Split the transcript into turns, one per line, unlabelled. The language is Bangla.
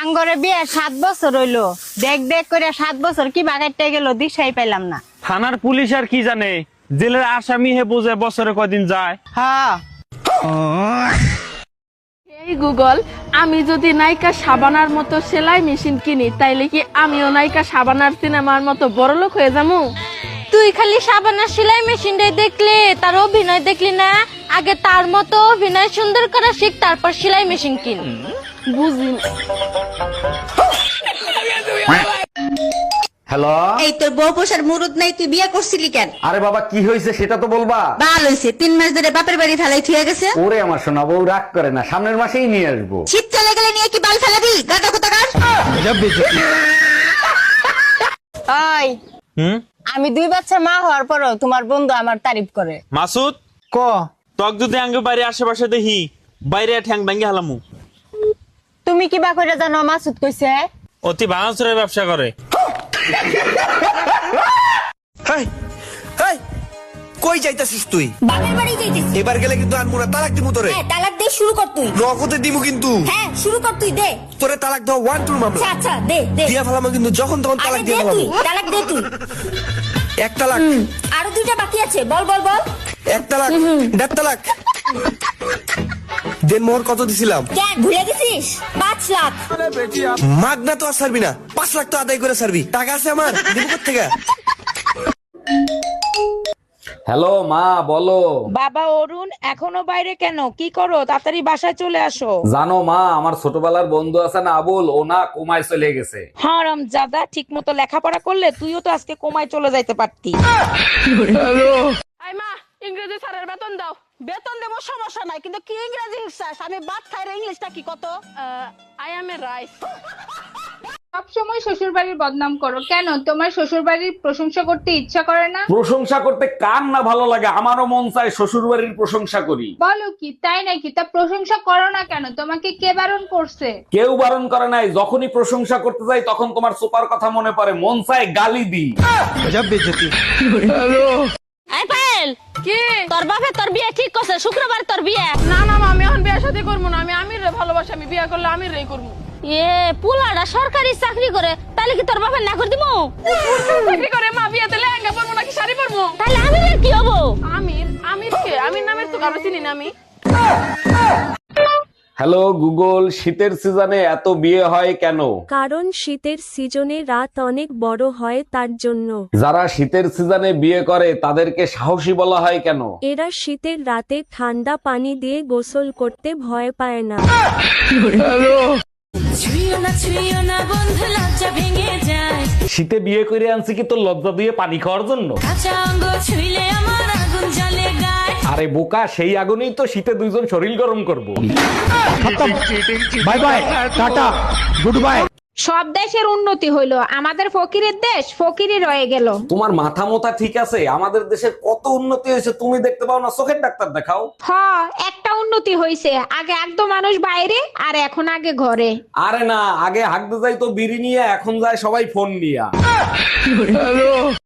আঙ্গরে বিয়ে 7 বছর হইলো, দেখ দেখ করে 7 বছর কি বাগাইতে গেল দিশাই পাইলাম না।
থানার পুলিশ আর কি জানে, জেলের আসামি হে বোঝে বছরে কদিন যায়।
হ্যাঁ
এই গুগল, আমি যদি নায়িকা শাবানার মতো সেলাই মেশিন কিনি তাইলে কি আমিও নায়িকা শাবানার সিনেমার মতো বড়লোক হয়ে যাবো?
তুই খালি সাবানার সেলাই মেশিনটাই দেখলি, তার অভিনয় দেখলি না? আগে তার মতো অভিনয় সুন্দর করা শিখ, তারপর সেলাই মেশিন কিন।
বুঝি।
হ্যালো,
এই তোর বউ পোষার মুরুদ নাই, তুই বিয়ে করছিলি কেন?
আরে বাবা কি হয়েছে সেটা তো বলবা।
ভালো হয়েছে, 3 মাস ধরে বাপের বাড়ি ফেলাই থুয়ে গেছে।
ওরে আমার সোনা বউ রাগ করে না, সামনের মাসেই নিয়ে আসবো।
শীত চলে গেলে নিয়ে কি বাল ফেলাবি? গাটা কোথাকার।
ওই আমি 2 বাচ্চা মা হওয়ার পরও তোমার বন্ধু আমার তারিফ করে।
মাসুদ ক তক যদি আঙ্গে বাইরে আশেপাশে দেখি, বাইরে ঠ্যাং ভাঙ্গি হালামু।
তুমি কিবা করে জানো মাসুদ কইছে?
অতি ভাঙাচুরের ব্যবসা করে।
কই যাইতাছিস তুই?
বাপের বাড়ি যাইতেছি।
এবার গেলে কিন্তু আনমু না, তালাক দিমু তোরে।
হ্যাঁ, তালাক দে, শুরু কর তুই।
নগদে দিমু কিন্তু।
হ্যাঁ, শুরু কর তুই, দে।
তোরে তালাক দাও 1-2 মামলা।
আচ্ছা আচ্ছা, দে দে।
দিয়া ফেলামু কিন্তু, যখন তখন
আরে
তালাক
দে
দিয়া
তুই,
ফেলামু।
তালাক দে তুই।
1 তালাক,
আরো 2টা বাকি আছে, বল বল বল।
1 তালাক, 1.5 তালাক। দেন মোহর কত দিছিলাম?
কেন ভুলে গেছিস? 5 লাখ।
মাগনা তো আর ছাড়বি না, 5 লাখ তো আদায় করে ছাড়বি। টাকা আছে আমার, দিব কোত্থেকে?
হ্যালো মা, বলো।
বাবা অরুণ, এখনো বাইরে কেন? কি করো? তাড়াতাড়ি বাসায় চলে আসো।
জানো মা, আমার ছোটবেলার বন্ধু আছে না আবুল, ও না কোমায় চলে গেছে।
হারাম জাদা, ঠিক মতো লেখাপড়া করলে তুইও তো আজকে কোমায় চলে যাইতে পারতি।
আই মা, ইংরেজি স্যারের বেতন দাও।
বেতন দেবো, সমস্যা নাই, কিন্তু কি ইংরেজি শিখছাস? আমি ভাত খাই রে, ইংলিশটা কি কত?
I am a rice.
সব সময় শ্বশুর বাড়ির বদনাম করো কেন? তোমার শ্বশুর বাড়ির প্রশংসা করতে ইচ্ছা করে না?
প্রশংসা করতে কার না ভালো লাগে, আমারও মন চায় শ্বশুর বাড়ির প্রশংসা করি।
বলো কি, তাই নাকি? তা প্রশংসা করো না কেন? তোমাকে কে বারণ করছে?
কেউ বারণ করে নাই, যখনই প্রশংসা করতে যাই তখন তোমার সুপার কথা মনে পড়ে, মন চায় গালি দিই।
আই পায়েল,
কি?
তোর বাপে তোর বিয়ে ঠিক করছে, শুক্রবার তোর বিয়ে।
না না মা, আমি এখন বিয়ে শাদী করবো না। আমি আমিরে ভালোবাসি, আমি বিয়ে করলে আমিরেই করবো।
পুলাটা সরকারি চাকরি করে, তাহলে কি তোর বাপের না করে দিব?
চাকরি করে মা, বিয়েতে লেহেঙ্গা পরবো নাকি শাড়ি পরবো?
তাহলে আমিরের কি হবো?
আমির? আমির কে? আমির নামের তো কারো চিনি না আমি।
হ্যালো গুগল, শীতের সিজনে এত বিয়ে হয় কেন?
কারণ শীতের সিজনে রাত অনেক বড় হয়, তার জন্য।
যারা শীতের সিজনে বিয়ে করে তাদেরকে সাহসী বলা হয় কেন?
এরা শীতের রাতে ঠান্ডা পানি দিয়ে গোসল করতে ভয় পায় না।
শীতে বিয়ে করে আনছি কি তোর লজ্জা দিয়ে পানি খাওয়ার জন্য? আরে বোকা, সেই আগুনেই তো শীতে 2জন শরীর গরম করব। বাই বাই, টাটা, গুড বাই।
সব দেশের উন্নতি হইলো, আমাদের ফকিরের দেশ ফকিরই রয়ে গেল।
তোমার মাথা মোথা ঠিক আছে? আমাদের দেশের কত উন্নতি হয়েছে তুমি দেখতে পাও না? চোখের ডাক্তার দেখাও।
একটা উন্নতি হইছে, আগে একদম মানুষ বাইরে, আর এখন আগে ঘরে।
আরে না, আগে হাঁকতে যাই তো বিড়ি নিয়ে, এখন যায় সবাই ফোন নিয়ে।